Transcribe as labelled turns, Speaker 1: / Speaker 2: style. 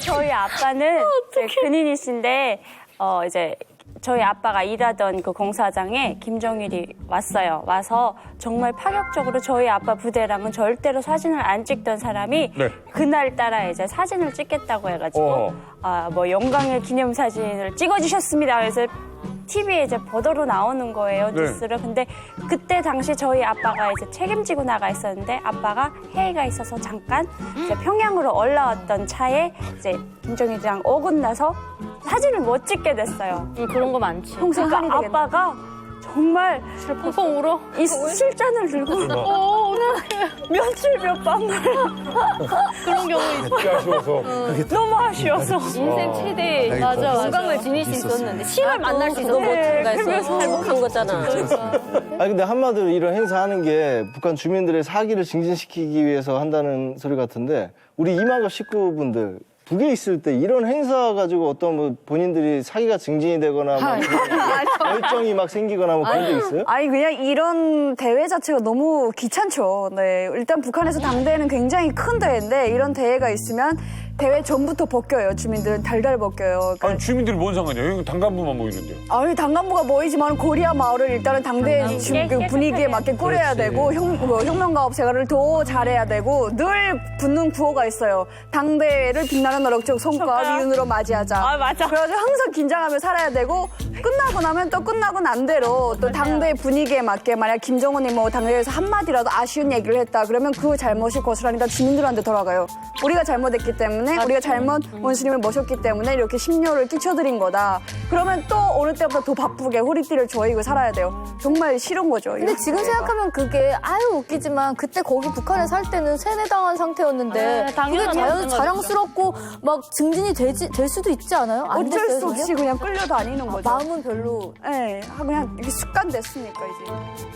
Speaker 1: 저희 아빠는 이제 근인이신데 이제 저희 아빠가 일하던 그 공사장에 김정일이 왔어요. 와서 정말 파격적으로 저희 아빠 부대랑은 절대로 사진을 안 찍던 사람이
Speaker 2: 네.
Speaker 1: 그날따라 이제 사진을 찍겠다고 해가지고 뭐 영광의 기념사진을 찍어주셨습니다. 그래서 TV에 이제 보도로 나오는 거예요,
Speaker 2: 네.
Speaker 1: 뉴스를. 근데 그때 당시 저희 아빠가 이제 책임지고 나가 있었는데 아빠가 회의가 있어서 잠깐 이제 평양으로 올라왔던 차에 이제 김정일이랑 어긋나서 사진을 못 찍게 됐어요.
Speaker 3: 그런 거 많지.
Speaker 1: 평생
Speaker 4: 한이 되겠네.
Speaker 1: 아빠가 정말
Speaker 3: 펑펑 울어?
Speaker 1: 이 술잔을 들고 며칠 몇 밤을
Speaker 3: 그런 경우 있어.
Speaker 2: 꽤 아쉬워서.
Speaker 1: 너무 아쉬워서
Speaker 3: 인생 최대
Speaker 4: 맞아.
Speaker 3: 건강을 지닐 수 있었는데 시를 만날 수 있어서
Speaker 1: 네,
Speaker 3: 못가해서
Speaker 1: 그래서
Speaker 3: 행복한 거잖아.
Speaker 5: 아니 근데 한마디로 이런 행사하는 게 북한 주민들의 사기를 증진시키기 위해서 한다는 소리 같은데 우리 이만갑 식구분들 북에 있을 때 이런 행사 가지고 어떤 뭐 본인들이 사기가 증진이 되거나 막 열정이 막 생기거나 뭐 그런 게 있어요?
Speaker 4: 아니 그냥 이런 대회 자체가 너무 귀찮죠. 네, 일단 북한에서 당대회는 굉장히 큰 대회인데 이런 대회가 있으면 대회 전부터 벗겨요. 주민들은 달달 벗겨요. 그러니까
Speaker 2: 아니 주민들이 뭔 상관이야? 여기 당간부만 모이는데요.
Speaker 4: 아니 당간부가 모이지만 고리아 마을을 일단은 당대 그 분위기에 맞게 꾸려야 되고 혁명가업 생활을 더 잘해야 되고 늘 붙는 구호가 있어요. 당대회를 빛나는 어럭적 손과 위운으로 맞이하자.
Speaker 1: 아, 맞아.
Speaker 4: 그래가지고 항상 긴장하며 살아야 되고 끝나고 나면 또 끝나고 난 대로 또 당대 분위기에 맞게 만약 김정은이 뭐 당대회에서 한마디라도 아쉬운 얘기를 했다 그러면 그 잘못이 고스란히 주민들한테 돌아가요. 우리가 잘못했기 때문에 우리가 잘못 원수님을 모셨기 때문에 이렇게 심려를 끼쳐드린 거다. 그러면 또 어느 때보다 더 바쁘게 허리띠를 조이고 살아야 돼요. 정말 싫은 거죠.
Speaker 6: 근데 지금 생각하면 그게 아유 웃기지만 그때 거기 북한에 살 때는 세뇌당한 상태였는데 그게
Speaker 3: 당연한
Speaker 6: 자랑스럽고 막 증진이 될 수도 있지 않아요? 안
Speaker 4: 어쩔
Speaker 6: 됐어요,
Speaker 4: 수 없이
Speaker 6: 전혀?
Speaker 4: 그냥 끌려다니는 거죠.
Speaker 6: 마음은 별로
Speaker 4: 네, 그냥 이게 습관 됐으니까 이제.